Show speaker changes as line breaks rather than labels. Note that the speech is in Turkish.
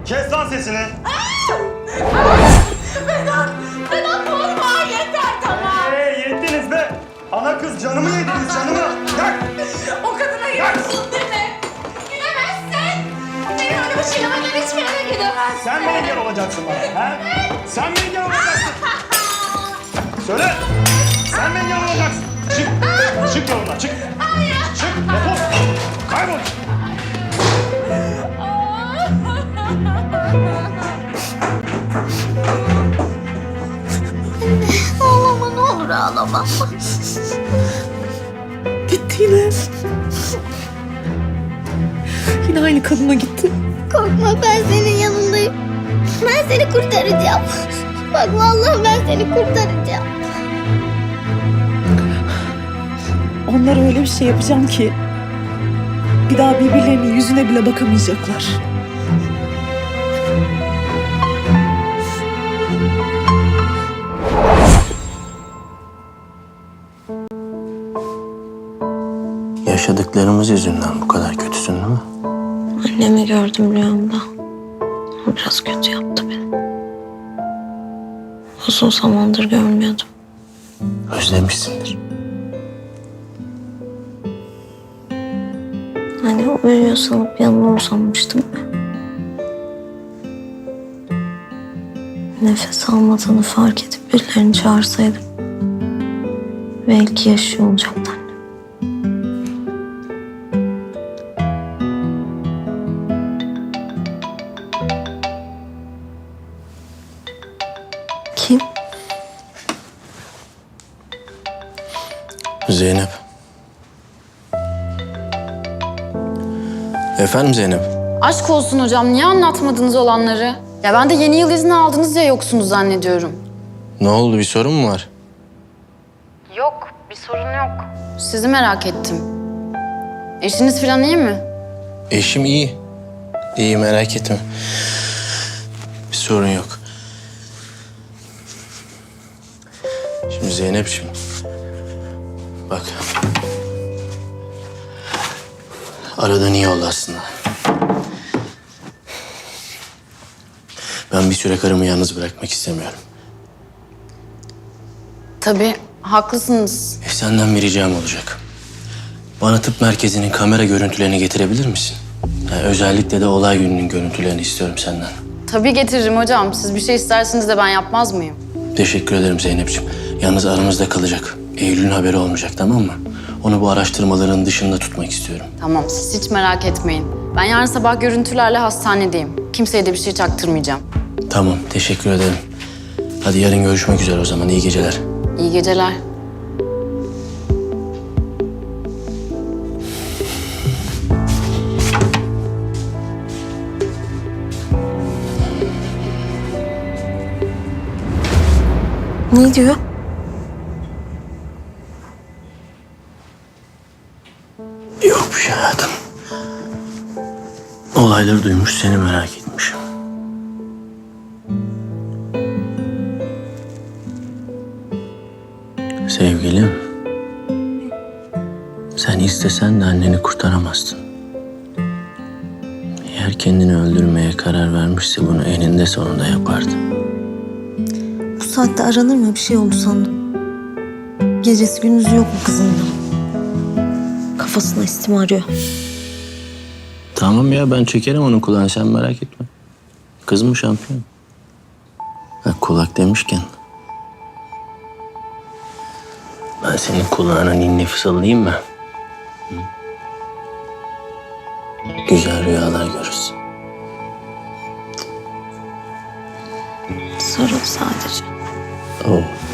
Kes lan sesini.
Vedat vurma yeter tamam.
Yettiniz be. Ana kız canımı yediniz canımı. Yak.
O kadına gidiyorsun değil mi? Gidemezsin. Benim öyle bir şeyle benden hiçbir yere gidemezsin.
Sen mi engel olacaksın bana? Ha? Sen mi engel olacaksın? Söyle. Sen mi engel olacaksın? Çık. Çık yoluna çık. Çık. Defol. Kaybol.
Ağlama ne olur ağlama.
Gitti yine. Yine aynı kadına gitti.
Korkma ben senin yanındayım. Ben seni kurtaracağım. Bak vallahi ben seni kurtaracağım.
Onlara öyle bir şey yapacağım ki bir daha birbirlerinin yüzüne bile bakamayacaklar.
Yaşadıklarımız yüzünden bu kadar kötüsün değil mi?
Annemi gördüm rüyamda. O biraz kötü yaptı beni. Uzun zamandır görmüyordum.
Özlemişsindir.
Hani o uyuyor sanıp yanına uzanmıştım. Nefes almadığını fark edip birilerini çağırsaydım belki yaşıyor olacaktı anne. Kim?
Zeynep. Efendim Zeynep?
Aşk olsun hocam, niye anlatmadınız olanları? Ya ben de yeni yıl izni aldınız diye yoksunuz zannediyorum.
Ne oldu, bir sorun mu var?
Yok, bir sorun yok. Sizi merak ettim. Eşiniz falan iyi mi?
Eşim iyi. İyi, merak etme. Bir sorun yok. Şimdi Zeynep'ciğim. Bak. Aradan iyi oldu aslında. Ben bir süre karımı yalnız bırakmak istemiyorum.
Tabii, haklısınız.
Senden bir ricam olacak. Bana tıp merkezinin kamera görüntülerini getirebilir misin? Yani özellikle de olay gününün görüntülerini istiyorum senden.
Tabii getiririm hocam. Siz bir şey isterseniz de ben yapmaz mıyım?
Teşekkür ederim Zeynep'ciğim. Yalnız aramızda kalacak. Eylül'ün haberi olmayacak, tamam mı? Onu bu araştırmaların dışında tutmak istiyorum.
Tamam, siz hiç merak etmeyin. Ben yarın sabah görüntülerle hastanedeyim. Kimseye de bir şey çaktırmayacağım.
Tamam, teşekkür ederim. Hadi yarın görüşmek üzere o zaman. İyi geceler.
İyi geceler.
Ne diyor?
Yok bir şey hayatım. Olayları duymuş, seni merak etmiş. Sevgilim, sen istesen de anneni kurtaramazsın. Eğer kendini öldürmeye karar vermişse bunu eninde sonunda yapardı.
Bu saatte aranır mı? Bir şey oldu sandım. Gecesi gündüzü yok mu kızın da? Kafasına istim arıyor.
Tamam ya, ben çekerim onun kulağını, sen merak etme. Kız mı şampiyon? Bak, kulak demişken... ben senin kulağına ninni fısıldayayım mı? Hı? Güzel rüyalar görürsün.
Sarıl sadece.
Oh.